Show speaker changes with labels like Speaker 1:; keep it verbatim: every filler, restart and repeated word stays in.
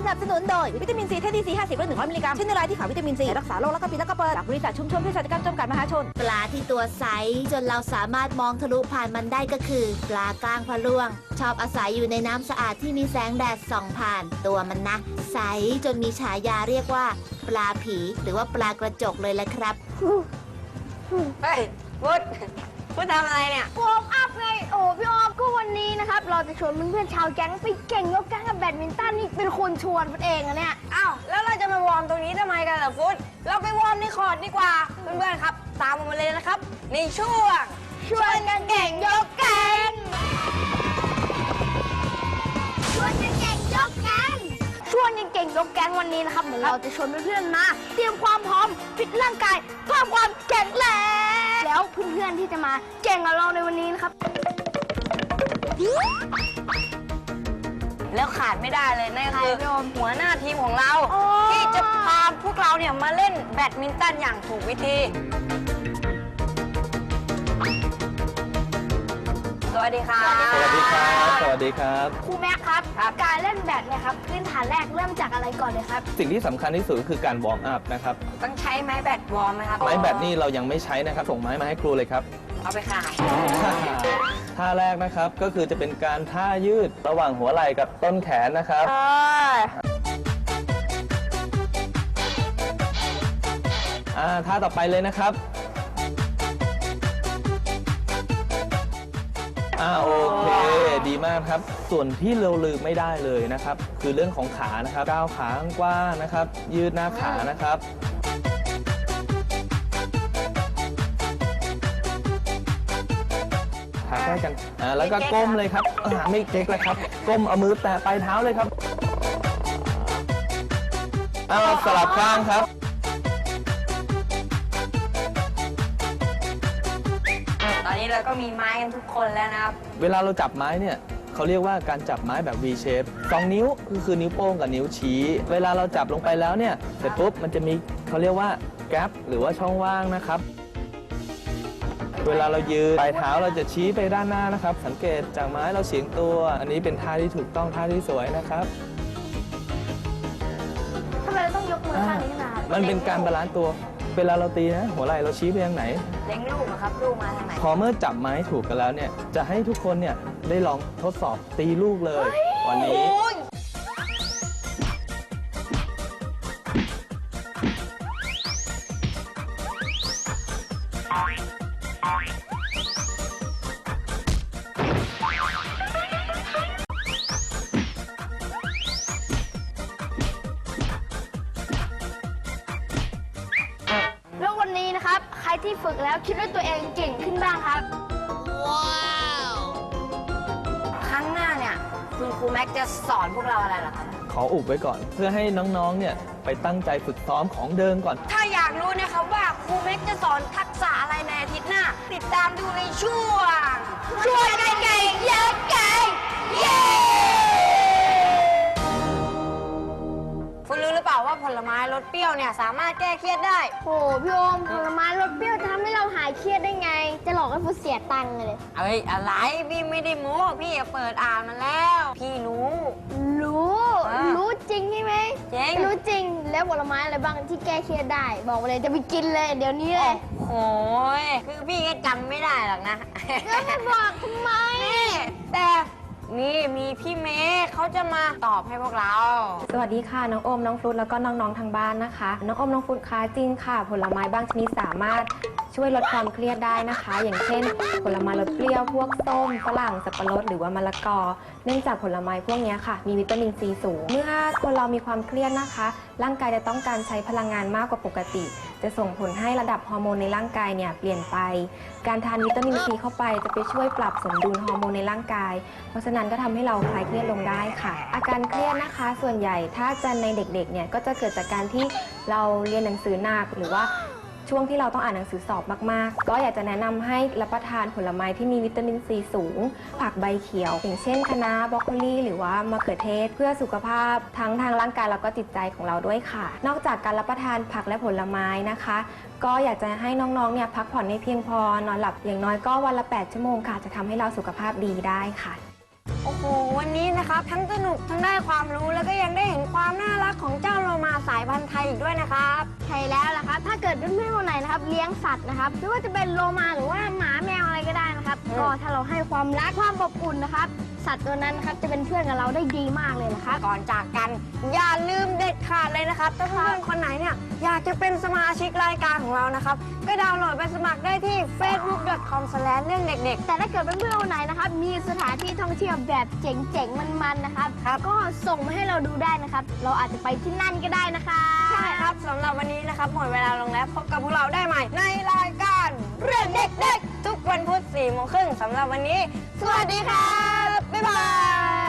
Speaker 1: นับสนุนโดยวิตามินซีเทดีซีห้าสิบและหนึ่งร้อยมิลลิกรัมชิ้นในรายที่ขาววิตามินซีรักษาโรคและกระปิดและกระเปิดจากบริษัทชุมชนเภสัชกรรมจำกัดมหาชน
Speaker 2: ปลาที่ตัวใสจนเราสามารถมองทะลุผ่านมันได้ก็คือปลาก้างพะล่วงชอบอาศัยอยู่ในน้ำสะอาดที่มีแสงแดดส่องผ่านตัวมันนะใสจนมีฉายาเรียกว่าปลาผีหรือว่าปลากระจกเลยแหละครับ
Speaker 3: เฮ้ยพุทธพุทธทำอะไรเนี่ยวอร์มอัพไงโอ้พี่ออฟก็วันนี้นะครับเราจะชวนเพื่อนๆชาวแก๊งไปเก่งยกแก๊งกับแบดมินตันนี่เป็นคนชวนพุทธเองอะเนี่ยอ้าวแล้วเราจะมาวอร์มตรงนี้ทำไมกันล่ะพุทธเราไปวอร์มในคอร์ตดีกว่าเพื่อนๆครับตามมาเลยนะครับในช่วงชวนกันเก่งยกแก๊งชวนกันเก่งยกแก๊งชวนกันเก่งยกแก๊งวันนี้นะครับเดี๋ยวเราจะชวนเพื่อนๆมาเตรียมความพร้อมฟิตร่างกายเพิ่มความแข็งแรงแล้วเพื่อนๆที่จะมาเก่งกับเราในวันนี้นะครับแล้วขาดไม่ได้เลยนั่นคือหัวหน้าทีมของเราที่จะพาพวกเราเนี่ยมาเล่นแบดมินตันอย่างถูกวิธีสวัสดีครับ
Speaker 4: สวัสดีครับ สวัสดีครับ
Speaker 3: ครูแม็กครับการเล่นแบดเนี่ยครับพื้นฐานแรกเริ่มจากอะไรก่อนเลยครับ
Speaker 4: สิ่งที่สำคัญที่สุดก็คือการวอร์มอัพนะครับ
Speaker 3: ต้องใช้ไม้แบดวอร์มไหมครับ
Speaker 4: ไม้แบดนี่เรายังไม่ใช้นะครับส่งไม้มาให้ครูเลยครับ
Speaker 3: เอาไปขาย
Speaker 4: ท่าแรกนะครับก็คือจะเป็นการท่ายืดระหว่างหัวไหล่กับต้นแขนนะครับอ่าท่าต่อไปเลยนะครับอ่าโอเคดีมากครับส่วนที่เราลืมไม่ได้เลยนะครับคือเรื่องของขานะครับก้าวขากว้างนะครับยืดหน้าขานะครับขาใกล้กันอ่าแล้วก็ก้มเลยครับอ่าไม่เก๊กเลยครับก้มเอามือแตะปลายเท้าเลยครับอ่าสลับข้างครับ
Speaker 3: ตอนนี้เราก็มีไม้กันทุกคนแล้วนะครับ
Speaker 4: เวลาเราจับไม้เนี่ยเขาเรียกว่าการจับไม้แบบ V shape สองนิ้วคือคือนิ้วโป้งกับนิ้วชี้เวลาเราจับลงไปแล้วเนี่ยเสร็จปุ๊บมันจะมีเขาเรียกว่าแกปหรือว่าช่องว่างนะครับเวลาเรายืนปลายเท้าเราจะชี้ไปด้านหน้านะครับสังเกตจากไม้เราเฉียงตัวอันนี้เป็นท่าที่ถูกต้องท่าที่สวยนะครับ
Speaker 3: ทำไมเราต้องยกมือข้างนี้มา
Speaker 4: มันเป็นการบาลานซ์ตัวเวลาเราตีนะหัวไหล่เราชี้ไปทางไหน
Speaker 3: เล็งลูกครับลูกมาทางไหน
Speaker 4: พอเมื่อจับไม้ถูกกันแล้วเนี่ยจะให้ทุกคนเนี่ยได้ลองทดสอบตีลูกเลยวันนี้
Speaker 3: แล้ววันนี้นะครับใครที่ฝึกแล้วคิดว่าตัวเองเก่งขึ้นบ้างครับว้าวครั้งหน้าเนี่ยคุณครูแม็กจะสอนพวกเราอะไรหรอครับ
Speaker 4: ขออุบไว้ก่อนเพื่อให้น้องๆเนี่ยไปตั้งใจฝึกซ้อมของเดิมก่อน
Speaker 3: ถ้าอยากรู้นะครับว่าครูแม็กจะสอนทักษะอะไรในอาทิตย์หน้าติดตามดูในช่วงช่วยกันเก่งเยอะเก่งเย้คุณรู้หรือเปล่าว่าผลไม้รสเปรี้ยวเนี่ยสามารถแก้เครียดได้โอ้พี่โอมผลไม้รสเปรี้ยวจะทำให้เราหายเครียดได้ไงจะหลอกให้ผู้เสียตังค์เลยเอ้ยอะไรพี่ไม่ได้โม้พี่เปิดอ่านมาแล้วพี่รู้รู้รู้จริงใช่ไหมจริงรู้จริงแล้วผลไม้อะไรบ้างที่แก้เครียดได้บอกมาเลยจะไปกินเลยเดี๋ยวนี้เลยโอ้ยคือพี่ก็จำไม่ได้หรอกนะแล้วไม่บอกทำไมแต่นี่มีพี่เมย์เขาจะมาตอบให้พวกเรา
Speaker 5: สวัสดีค่ะน้องโอมน้องฟลุ๊กแล้วก็น้องๆทางบ้านนะคะน้องโอมน้องฟลุ๊กคะจริงค่ะผลไม้บางชนิดสามารถช่วยลดความเครียดได้นะคะ อย่างเช่นผลไม้รสเปรี้ยวพวกส้มฝรั่งสับปะรดหรือว่ามะละกอเนื่องจากผลไม้พวกนี้ค่ะมีวิตามินซีสูงเมื่อคนเรามีความเครียดนะคะร่างกายจะต้องการใช้พลังงานมากกว่าปกติจะส่งผลให้ระดับฮอร์โมนในร่างกายเนี่ยเปลี่ยนไปการทานวิตามินซีเข้าไปจะไปช่วยปรับสมดุลฮอร์โมนในร่างกายเพราะฉะนั้นก็ทำให้เราคลายเครียดลงได้ค่ะอาการเครียดนะคะส่วนใหญ่ถ้าจะในเด็กๆเนี่ยก็จะเกิดจากการที่เราเรียนหนังสือหนักหรือว่าช่วงที่เราต้องอ่านหนังสือสอบมากๆก็อยากจะแนะนำให้รับประทานผลไม้ที่มีวิตามินซีสูงผักใบเขียวอย่างเช่นคะน้าบรอกโคลีหรือว่ามะเขือเทศเพื่อสุขภาพทั้งทางร่างกายแล้วก็จิตใจของเราด้วยค่ะนอกจากการรับประทานผักและผลไม้นะคะก็อยากจะให้น้องๆเนี่ยพักผ่อนให้เพียงพอนอนหลับอย่างน้อยก็วันละแปดชั่วโมงค่ะจะทำให้เราสุขภาพดีได้ค่ะ
Speaker 3: โอ้โหวันนี้นะครับทั้งสนุกทั้งได้ความรู้แล้วก็ยังได้เห็นความน่ารักของเจ้าโลมาสายพันธุ์ไทยอีกด้วยนะครับใช่แล้วล่ะครับถ้าเกิดเพื่อนๆคนไหนนะครับเลี้ยงสัตว์นะครับไม่ว่าจะเป็นโลมาหรือว่าหมาแมวอะไรก็ได้นะครับก็ถ้าเราให้ความรักความอบอุ่นนะครับสัตว์ตัวนั้นนะครับจะเป็นเพื่อนกับเราได้ดีมากเลยนะครับก่อนจากกันอย่าลืมเด็ดขาดเลยนะครับถ้าเพื่อนคนไหนเนี่ยอยากจะเป็นสมาชิกรายการของเรานะครับก็ดาวน์โหลดไปสมัครได้ที่ เฟซบุ๊ก ดอท คอม สแลช เรื่องเด็กๆแต่ถ้าเกิดเพื่อนๆคนไหนนะครับมีสถานที่ท่องเที่ยวแบบเจ๋งๆมันๆนะครับก็ส่งมาให้เราดูได้นะครับเราอาจจะไปที่นั่นก็ได้นะคะใช่ครับสำหรับวันนี้นะครับหมดเวลาลงแล้วพบกับพวกเราได้ใหม่ในรายการเรื่องเด็กๆทุกวันพุธสี่โมงครึ่งสำหรับวันนี้สวัสดีครับบ๊ายบาย